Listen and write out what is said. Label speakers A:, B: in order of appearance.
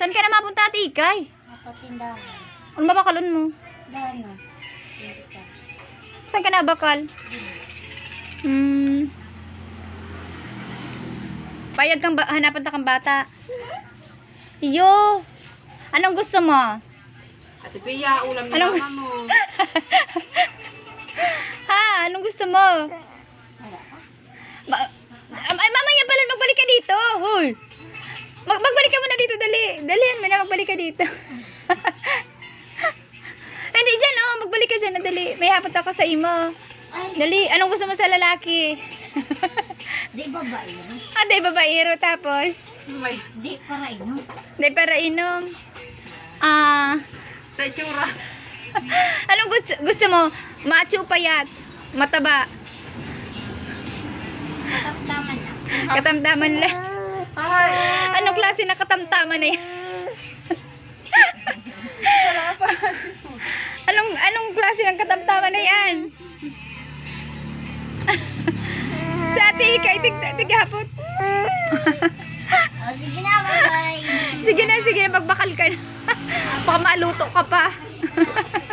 A: Saan ka na mapunta, Ate Ikay?
B: Napatindahan.
A: Ano ba bakalon mo?
B: Dahan na. Hindi ka.
A: Saan ka na bakal? Payag kang hanapan ta kang bata. Iyo. Anong gusto mo?
C: Ate Pia, ulam ni
A: Anong-
C: mama mo.
A: Ha? Anong gusto mo?
B: Wala ka?
A: Ay, mamaya pala magbalik ka dito. Hoy. Magbalik ka muna dito, dali. Dalihan mo na, magbalik ka dito. Hindi dyan, oh. Magbalik ka dyan, dali. May hapot ako sa imo.
B: Ay,
A: Dali, anong gusto mo sa lalaki?
B: di babae no?
A: Ate, babaero, tapos.
C: May,
B: Di para ino.
A: Hindi, para inom.
C: sa itsura.
A: Anong gusto mo? Macho, payat, mataba,
B: Katamtaman na.
A: katamtaman lang.
C: Ay,
A: Anong klase na katamtaman na yan? Anong klase ng katamtaman na yan? Sa ate, ikay, tighapot.
B: O, sige na, bye-bye.
A: Sige na, magbakal ka na. Baka maluto ka pa.